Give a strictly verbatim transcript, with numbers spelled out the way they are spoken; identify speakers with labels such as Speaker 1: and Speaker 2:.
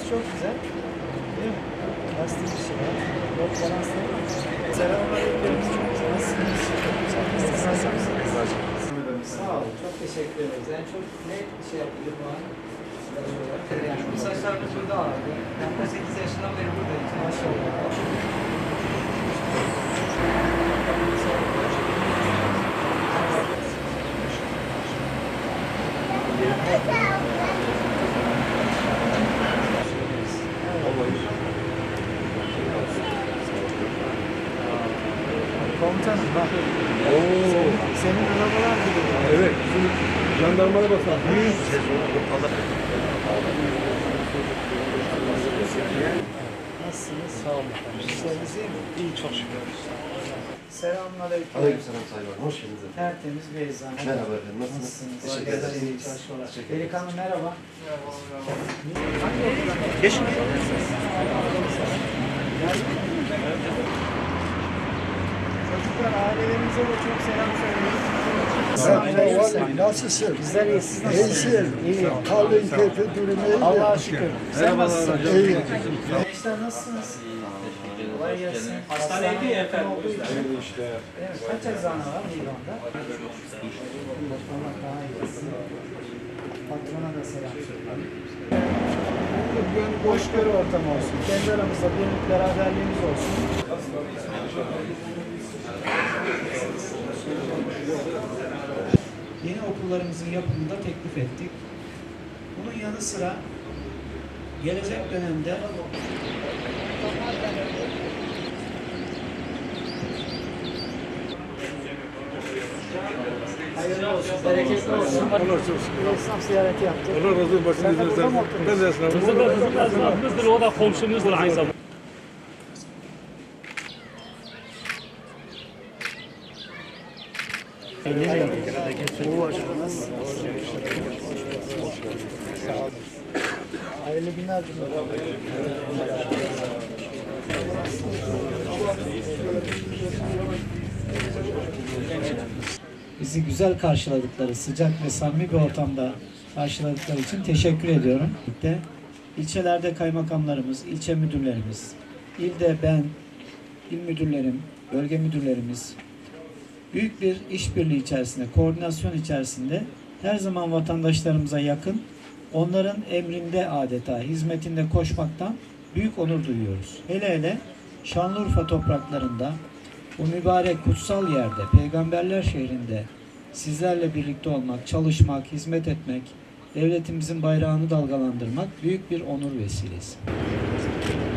Speaker 1: çok güzel. Değil mi? Lastik bir şey var. Yol balansları var. Selamünaleyküm. Nasılsınız? Nasılsınız? Sağ olun. Çok teşekkür ederiz. Yani çok ne şey yapıyordum bu an? Yani bu saçlarımız burada ağırdı. Ben on sekiz yaşından beri buradayım. Maşallah. Komutanım bak. Oo. Senin, senin arabalar gibi.
Speaker 2: Evet. Bizim jandarmaya basan. Büyük.
Speaker 1: Nasılsınız? Sağ olun efendim. İşleriniz iyi mi?
Speaker 2: İyi, çok şükür.
Speaker 1: Selamünaleyküm.
Speaker 3: Aleykümselam Sayın Valim. Hoş geldiniz efendim.
Speaker 1: Tertemiz bir eczane.
Speaker 3: Merhaba efendim. Nasılsınız?
Speaker 1: Nasılsınız?
Speaker 3: Teşekkür
Speaker 1: Arkadaşlar, iyi
Speaker 3: ederiz.
Speaker 1: çalışmalar.
Speaker 3: Teşekkür ederiz.
Speaker 1: Delikanlı merhaba.
Speaker 3: Geç.
Speaker 1: Çocuklar ailelerinize de çok selam söyleyin.
Speaker 4: Nasılsın?
Speaker 1: Bizler iyi, siz nasılsınız?
Speaker 4: İyisin.
Speaker 1: İyi.
Speaker 4: Kaldığın keyfi durumu iyi mi?
Speaker 1: Allah'a şükür. Sen nasılsın?
Speaker 4: İyi.
Speaker 1: Gençler nasılsınız? Kolay gelsin. Hastaneydi ya efendim. Evet, kaç eczane var İran'da? Allah daha iyi etsin. Patrona da selam söyleyin. Hoşgörü ortamı olsun. Kendi aramızda birlik beraberliğimiz olsun. Yeni okullarımızın yapımını da teklif ettik. Bunun yanı sıra gelecek dönemde hayırlı olsun, bereketli olsun.
Speaker 2: Allah çok şükür.
Speaker 1: Esnaf ziyareti yaptık.
Speaker 2: Allah razı olsun.
Speaker 1: Sen de burada mı
Speaker 2: Başınızı ben de esnafım.
Speaker 5: Bizim esnafımızdır, o da komşumuzdur aynı zamanda.
Speaker 1: Hayırlı günler diliyorum. Bizi güzel karşıladıkları, sıcak ve samimi bir ortamda karşıladıkları için teşekkür ediyorum. De, ilçelerde kaymakamlarımız, ilçe müdürlerimiz, ilde ben, il müdürlerim, bölge müdürlerimiz büyük bir işbirliği içerisinde, koordinasyon içerisinde her zaman vatandaşlarımıza yakın, onların emrinde adeta, hizmetinde koşmaktan büyük onur duyuyoruz. Hele hele Şanlıurfa topraklarında, bu mübarek kutsal yerde, peygamberler şehrinde sizlerle birlikte olmak, çalışmak, hizmet etmek, devletimizin bayrağını dalgalandırmak büyük bir onur vesilesi.